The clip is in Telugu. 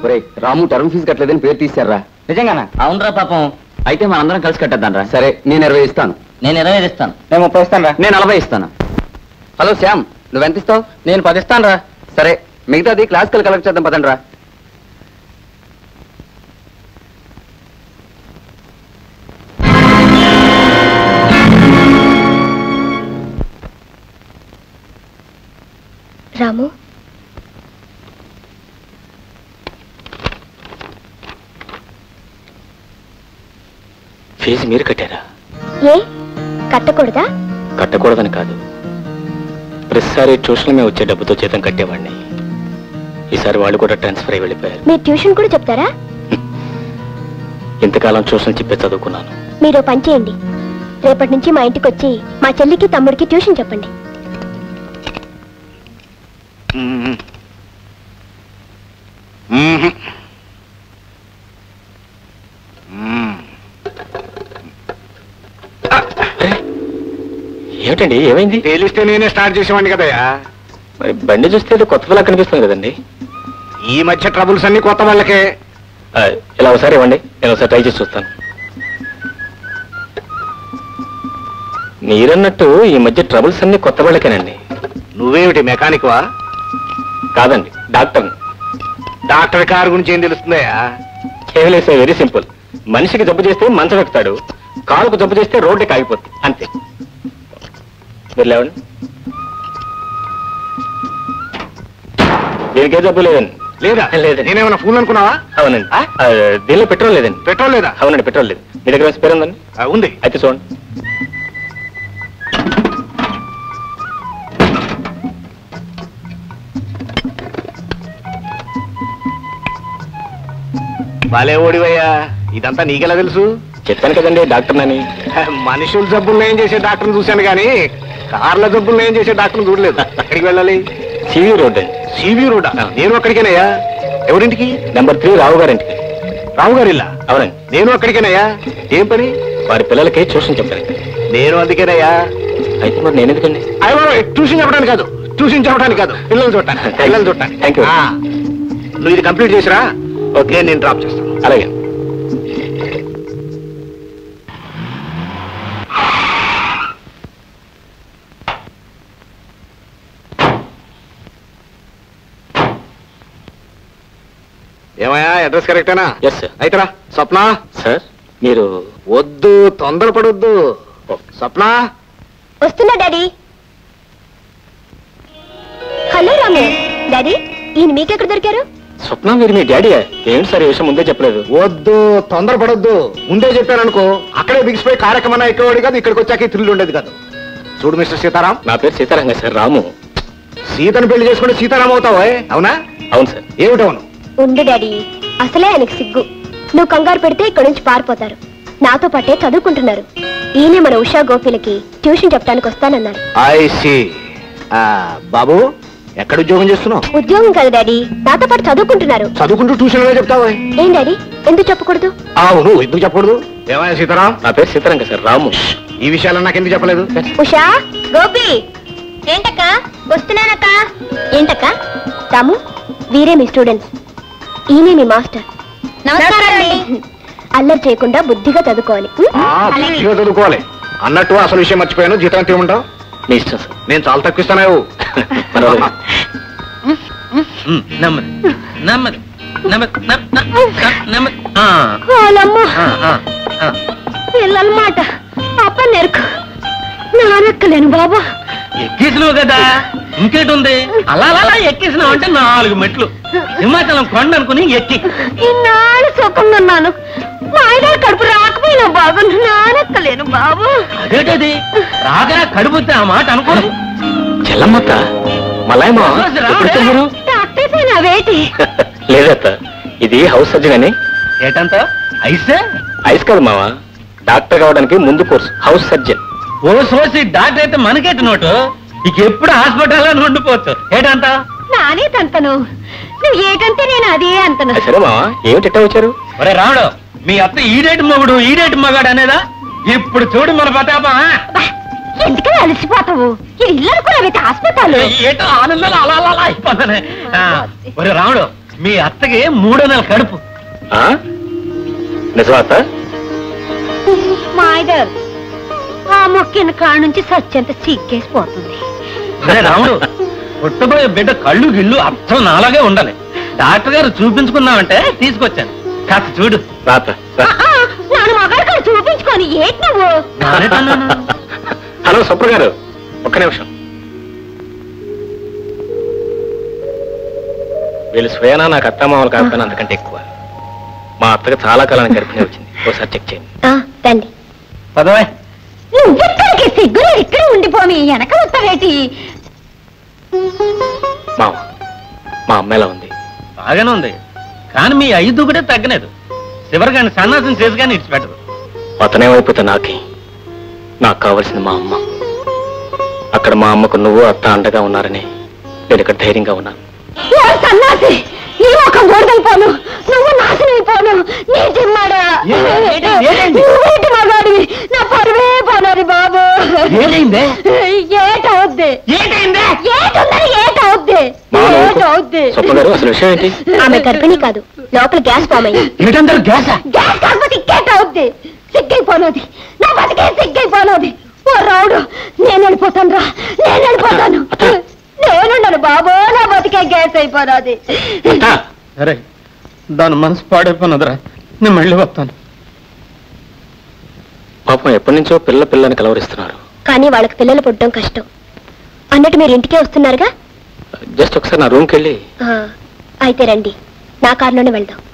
రాము టర్మ్ ఫీజు కట్టలేదని పేరు తీశారా? నిజంగానా? అవునరా పాపం. అయితే మనందరం కలిసి కట్టేద్దాం రా. సరే, నేను 20 ఇస్తాను. నేను 25 ఇస్తాను. నేను 30 ఇస్తాను రా. నేను 40 ఇస్తాను. హలో శ్యామ్, నువ్వెంత ఇస్తావు? నేను 10 ఇస్తాను రా. సరే, మిగతాది క్లాసికల్ కలెక్ట్ చేద్దాం పదండి రా. రాము, ఫీజు మీరు కట్టారా? ఏ కట్టకూడదా? కట్టకూడదని కాదు, ప్రతిసారి ట్యూషన్ మేము వచ్చే డబ్బుతో జీతం కట్టేవాడిని. ఈసారి వాళ్ళు కూడా ట్రాన్స్ఫర్ అయి వెళ్ళిపోయారు. మీరు ట్యూషన్ కూడా చెప్తారా? ఇంతకాలం ట్యూషన్ చెప్పే చదువుకున్నాను. మీరు పని చేయండి, రేపటి నుంచి మా ఇంటికి వచ్చి మా చెల్లికి తమ్ముడికి ట్యూషన్ చెప్పండి. ఏమిటండి, ఏమైంది? తెలిస్తే నేనే స్టార్ట్ చేసేవాడిని కదయ్యా. మరి బండి చూస్తే కొత్త వాళ్ళ కనిపిస్తుంది కదండి. ఈ మధ్య ట్రబుల్స్ అన్ని కొత్త వాళ్ళకే. ఇలా ఒకసారి ఇవ్వండి, నేను ఒకసారి ట్రై చేసి చూస్తాను. మీరన్నట్టు ఈ మధ్య ట్రబుల్స్ అన్ని కొత్త వాళ్ళకేనండి. నువ్వేమిటి మెకానిక్ వా? కాదండి, డాక్టర్. డాక్టర్ కారు గురించి ఏం తెలుస్తుందయ్యా? కేవలం వెరీ సింపుల్. మనిషికి జబ్బు చేస్తే మంచం ఎక్కుతాడు, కాలుకు జబ్బు చేస్తే రోడ్డుకి ఆగిపోతుంది, అంతే. మీరు లేవండి. దీనికే జబ్బు లేదండి. లేదా? లేదండి. నేనేమన్నా ఫూల్ అనుకున్నావా? అవునండి. దీనిలో పెట్రోల్ లేదండి. పెట్రోల్ లేదా? అవునండి, పెట్రోల్ లేదు. మీ దగ్గర స్పేర్ ఉందండి? ఉంది. అయితే చూడండి. బాలే ఓడివయ్యా, ఇదంతా నీకెలా తెలుసు? చెప్పాను కదండి డాక్టర్ నని. మనుషుల జబ్బులు ఏం చేసే డాక్టర్ని చూశాను కానీ కార్ల జబ్బులు ఏం చేసే డాక్టర్ని చూడలేదు. ఎక్కడికి వెళ్ళాలి? సివి రోడ్ అండి. CV road? నేను అక్కడికేనయ్యా. ఎవరింటికి? నెంబర్ 3 రావు గారింటికి. రావు గారి ఇల్లా? అవునండి. నేను అక్కడికేనయ్యా. ఏం పని? వారి పిల్లలకి ట్యూషన్ చెప్పాను. నేను అందుకేనయ్యా. అయితే మరి నేను ఎందుకండి? ట్యూషన్ చెప్పడానికి కాదు, ట్యూషన్ చెప్పడానికి కాదు, పిల్లలు చూడటానికి. పిల్లలు చూడటానికి. Thank you. నువ్వు ఇది కంప్లీట్ చేసిరా, ఓకే, నేను డ్రాప్ చేస్తాను. అలాగే. ఏమయ్యా, అడ్రస్ కరెక్టేనా? Yes sir. అయితేరా. స్వప్న. సార్, మీరు వద్దు, తొందరపడొద్దు. స్వప్న. వస్తున్నా డాడీ. హలో రాము. డాడీ, ఈయన మీకెక్కడ దొరికారు? స్వప్న, మీరు మీ డాడీ? ఏంటి సార్ ఈ విషయం ముందే చెప్పలేదు? వద్దు, తొందరపడొద్దు. ముందే చెప్పాననుకో అక్కడే బిగిసిపోయి కార్యక్రమం ఎక్కేవాడు కాదు, ఇక్కడికి వచ్చాక థ్రిల్ ఉండేది కాదు. చూడు మిస్టర్ సీతారాం. నా పేరు సీతారాంగా సార్. రాము. సీతను పెళ్లి చేసుకుంటే సీతారాం అవుతావా? అవునా? అవును సార్. ఏమిటవును? ఉండు డాడీ, అసలే ఆయనకు సిగ్గు. నువ్వు కంగారు పెడితే ఇక్కడి నుంచి పారిపోతారు. నాతో పాటే చదువుకుంటున్నారు. ఈయనే మన ఉషా గోపిలకి ట్యూషన్ చెప్పడానికి వస్తానన్నారు. I see. బాబు, ఎక్కడ ఉద్యోగం చేస్తున్నావు? ఉద్యోగం కాదు డాడీ, నాతో పాటు చదువుకుంటున్నారు. చదువుకుంటూ ట్యూషన్ లో చెప్తావా? ఏం డాడీ, ఎందుకు చెప్పకూడదు? అవును, ఎందుకు చెప్పకూడదు? ఏమయ్యా సీతారాం? నా పేరు సీతారాంగా సార్. రాము. ఈ విషయాలు నాకు ఎందుకు చెప్పలేదు? ఉషా, గోపి. ఏంటక్క? వస్తున్నానక్క. ఏంటక్క? రాము, వీరే మీ స్టూడెంట్స్. ఈయనే మీ మాస్టర్. అల్లరి చేయకుండా బుద్ధిగా చదువుకోవాలి. బుద్ధిగా చదువుకోవాలి. అన్నట్టు అసలు విషయం మర్చిపోయాను. జీతం ఎంత ఇవ్వమంటావు? మీ ఇష్టం సార్. నేను చాలా తక్కువ ఇస్తాను. పిల్లలమాట అప్ప నేర్కు నానెక్కలేను బాబా. ఎక్కేసినావు కదా, ఇంకేటి ఉంది? అలా అలా ఎక్కేసినావు అంటే 4 మెట్లు. హిమాచలం కొండ అనుకుని ఎక్కి ఇన్నాళ్ళు సుఖంగా మా ఆయన కడుపు రాకపోయినా బాబు, నానెక్కలేను బాబు. అదేటది రాగా కడుపుతే ఆ మాట అనుకోరు. చెల్లమ్మత్త, మలాయమా వేటి లేదత్త, ఇది హౌస్ సర్జన్ అని. ఏటంత ఐసే? ఐస్ కాదు మావా, డాక్టర్ కావడానికి ముందు కోర్సు హౌస్ సర్జన్. ఓ సోసి డాక్టర్ అయితే మనకేట నోటు. ఇక ఎప్పుడు హాస్పిటల్లో ఉండిపోవచ్చు. ఏటంత నానే తంతను, నువ్వు ఏటంటే నేను అదే అంతను. సరే మావా, ఏమిటి వచ్చారు? ఒరే రాముడు, మీ అత్త ఈడేటి మొగుడు ఈడేటి మగాడు అనేదా? ఇప్పుడు చూడు మన ప్రతాపం. ఎందుకని అలసిపోతావు? ఇల్లు అనుకున్నావైతే హాస్పిటల్. ఏటో ఆనందాలు అలా అలా అయిపోతానే. ఒరే రాముడు, మీ అత్తకి 3వ నెల కడుపు. నిజమా అత్త? మాయగారు ఆ మొక్కిన కాడ నుంచి సత్యంత సిగ్గేసిపోతుంది. అరే రాముడు, పుట్టబోయే బిడ్డ కళ్ళు గిళ్ళు అర్థం నాలాగే ఉండాలి. డాక్టర్ గారు చూపించుకున్నామంటే తీసుకొచ్చాను, కాస్త చూడు. రాత నాను మగాడు చూపించుకొని ఏంటి నువ్వు? హలో సుప్ర గారు, ఒక్క నిమిషం. వీళ్ళు స్వయానా నాకు అత్తమామలు కాకపోయినా అంతకంటే ఎక్కువ. మా అత్తగా చాలా కాలానికి గర్భిణి వచ్చింది, ఒకసారి చెక్ చేయండి. తండి పదవే. నువ్వెక్కడికి సిగ్గులు ఇక్కడే ఉండిపోమి వెనక వస్తావేటి? మామ, మా అమ్మ ఎలా ఉంది? బాగానే ఉంది, కానీ మీ 5 కూడా తగ్గలేదు. చివరి కానీ సన్నాసం చేసి కానీ ఇడిచిపెట్టదు. అతనేమైపోతే నాకే, నాకు కావాల్సింది మా అమ్మ. అక్కడ మా అమ్మకు నువ్వు అత్త అండగా ఉన్నారని నేను ఇక్కడ ధైర్యంగా ఉన్నాను. సన్నాసి, నీ ఒక గోడైపోను, నువ్వు నాశనైపోను. నీ జిమ్మాడా నువ్వేటి మగాడివి, నా పరువే పోనాది బాబు. ఏమైందే? ఏటవుద్ది సుప్ర గారు, అసలు విషయం ఏంటి? ఆమె గర్భిణి కాదు, లోపల గ్యాస్ ఫామ్ అయ్యింది. ఏంటంటారు? గ్యాసా? గ్యాస్ కాకపోతే ఇంకేటవుద్ది? సిగ్గైపోనది, నా బతికే సిగ్గైపోనది. ఓ రావుడు, నేను వెళ్ళిపోతాను రా, నేను వెళ్ళిపోతాను. నేనుండను బాబు, నా బతికే గ్యాస్ అయిపోనాది. అరే, దాని మనసు పాడైపోయినదిరా, నేను మళ్ళీ వస్తాను. పాపం ఎప్పటి నుంచో పిల్లని కలవరిస్తున్నారు. కానీ వాళ్ళకి పిల్లలు పుట్టడం కష్టం అన్నట్టు మీరు ఇంటికే వస్తున్నారుగా. జస్ట్ ఒకసారి నా రూమ్కి వెళ్ళి. అయితే రండి, నా కారులోనే వెళ్దాం.